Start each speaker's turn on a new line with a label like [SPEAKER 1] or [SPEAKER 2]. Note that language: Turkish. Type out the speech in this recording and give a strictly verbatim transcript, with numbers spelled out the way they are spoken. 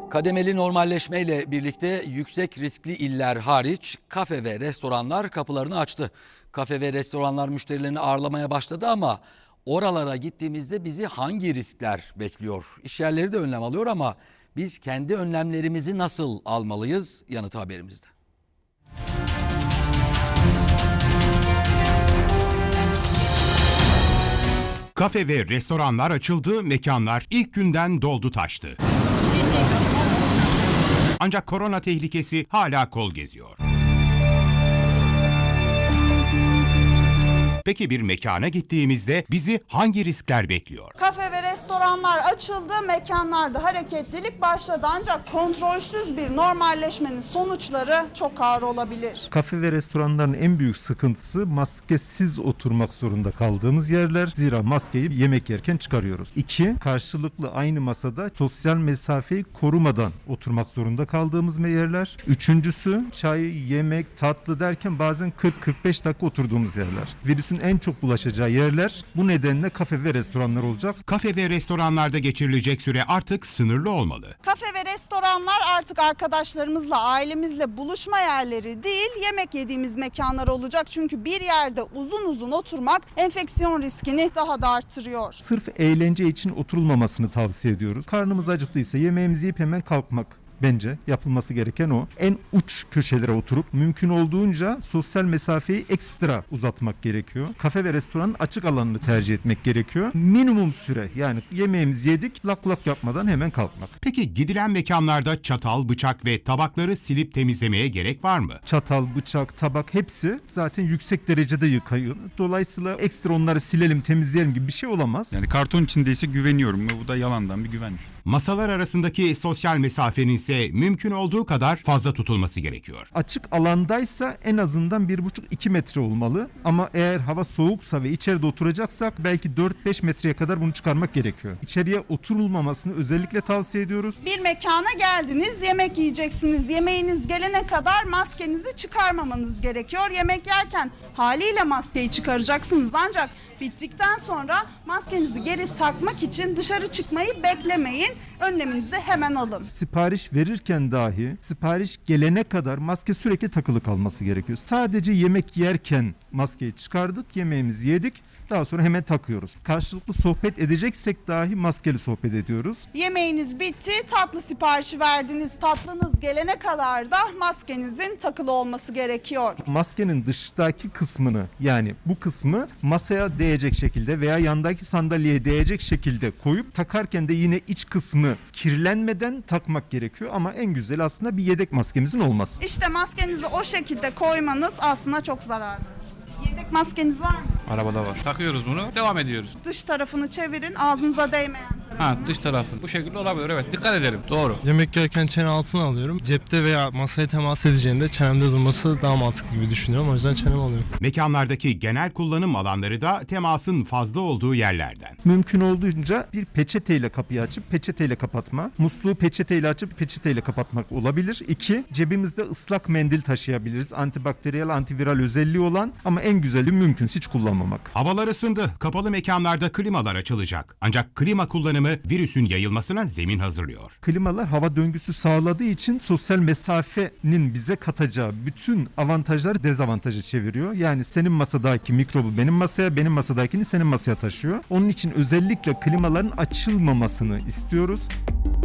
[SPEAKER 1] Kademeli normalleşmeyle birlikte yüksek riskli iller hariç kafe ve restoranlar kapılarını açtı. Kafe ve restoranlar müşterilerini ağırlamaya başladı ama oralara gittiğimizde bizi hangi riskler bekliyor? İşyerleri de önlem alıyor ama biz kendi önlemlerimizi nasıl almalıyız? Yanıtı haberimizde.
[SPEAKER 2] Kafe ve restoranlar açıldı, mekanlar ilk günden doldu taştı. Ancak korona tehlikesi hala kol geziyor. Peki bir mekana gittiğimizde bizi hangi riskler bekliyor?
[SPEAKER 3] Kafe ve restoranlar açıldı, mekanlarda hareketlilik başladı ancak kontrolsüz bir normalleşmenin sonuçları çok ağır olabilir.
[SPEAKER 4] Kafe ve restoranların en büyük sıkıntısı maskesiz oturmak zorunda kaldığımız yerler. Zira maskeyi yemek yerken çıkarıyoruz. İki, karşılıklı aynı masada sosyal mesafeyi korumadan oturmak zorunda kaldığımız yerler. Üçüncüsü, çay, yemek, tatlı derken bazen kırk kırk beş dakika oturduğumuz yerler. Virüsün en çok bulaşacağı yerler bu nedenle kafe ve restoranlar olacak.
[SPEAKER 2] Kafe ve restoranlarda geçirilecek süre artık sınırlı olmalı.
[SPEAKER 3] Kafe ve restoranlar artık arkadaşlarımızla, ailemizle buluşma yerleri değil, yemek yediğimiz mekanlar olacak. Çünkü bir yerde uzun uzun oturmak enfeksiyon riskini daha da artırıyor.
[SPEAKER 4] Sırf eğlence için oturulmamasını tavsiye ediyoruz. Karnımız acıktıysa yemeğimizi yiyip hemen kalkmak. Bence yapılması gereken o. En uç köşelere oturup mümkün olduğunca sosyal mesafeyi ekstra uzatmak gerekiyor. Kafe ve restoranın açık alanını tercih etmek gerekiyor. Minimum süre, yani yemeğimizi yedik lak lak yapmadan hemen kalkmak.
[SPEAKER 2] Peki gidilen mekanlarda çatal, bıçak ve tabakları silip temizlemeye gerek var mı?
[SPEAKER 4] Çatal, bıçak, tabak hepsi zaten yüksek derecede yıkayın. Dolayısıyla ekstra onları silelim, temizleyelim gibi bir şey olamaz.
[SPEAKER 5] Yani karton içindeyse güveniyorum ve bu da yalandan bir güven işte.
[SPEAKER 2] Masalar arasındaki sosyal mesafenin ise mümkün olduğu kadar fazla tutulması gerekiyor.
[SPEAKER 4] Açık alandaysa en azından bir buçuk iki metre olmalı. Ama eğer hava soğuksa ve içeride oturacaksak belki dört beş metreye kadar bunu çıkarmak gerekiyor. İçeriye oturulmamasını özellikle tavsiye ediyoruz.
[SPEAKER 3] Bir mekana geldiniz, yemek yiyeceksiniz. Yemeğiniz gelene kadar maskenizi çıkarmamanız gerekiyor. Yemek yerken haliyle maskeyi çıkaracaksınız ancak bittikten sonra maskenizi geri takmak için dışarı çıkmayı beklemeyin. Önleminizi hemen alın.
[SPEAKER 4] Sipariş verirken dahi sipariş gelene kadar maske sürekli takılı kalması gerekiyor. Sadece yemek yerken maskeyi çıkardık, yemeğimizi yedik, daha sonra hemen takıyoruz. Karşılıklı sohbet edeceksek dahi maskeli sohbet ediyoruz.
[SPEAKER 3] Yemeğiniz bitti, tatlı siparişi verdiniz. Tatlınız gelene kadar da maskenizin takılı olması gerekiyor.
[SPEAKER 4] Maskenin dıştaki kısmını, yani bu kısmı masaya değecek şekilde veya yandaki sandalyeye değecek şekilde koyup takarken de yine iç kısmı kirlenmeden takmak gerekiyor. Ama en güzeli aslında bir yedek maskemizin olması.
[SPEAKER 3] İşte maskenizi o şekilde koymanız aslında çok zararlı. Yedek maskeniz var mı?
[SPEAKER 6] Arabada var. Takıyoruz bunu, devam ediyoruz.
[SPEAKER 3] Dış tarafını çevirin, ağzınıza değmeyen tarafını.
[SPEAKER 6] Ha, dış tarafı. Bu şekilde olabilir, evet. Dikkat edelim. Doğru.
[SPEAKER 7] Yemek yerken çene altına alıyorum. Cepte veya masaya temas edeceğinde çenemde durması daha mantıklı gibi düşünüyorum. O yüzden çeneme alıyorum.
[SPEAKER 2] Mekanlardaki genel kullanım alanları da temasın fazla olduğu yerlerden.
[SPEAKER 4] Mümkün olduğunca bir peçeteyle kapıyı açıp peçeteyle kapatma. Musluğu peçeteyle açıp peçeteyle kapatmak olabilir. İki, cebimizde ıslak mendil taşıyabiliriz. Antibakteriyel, antiviral özelliği olan ama en güzeli mümkünse hiç kullanmamak.
[SPEAKER 2] Havalar ısındı. Kapalı mekanlarda klimalar açılacak. Ancak klima kullanımı virüsün yayılmasına zemin hazırlıyor.
[SPEAKER 4] Klimalar hava döngüsü sağladığı için sosyal mesafenin bize katacağı bütün avantajları dezavantaja çeviriyor. Yani senin masadaki mikrobu benim masaya, benim masadakini senin masaya taşıyor. Onun için özellikle klimaların açılmamasını istiyoruz.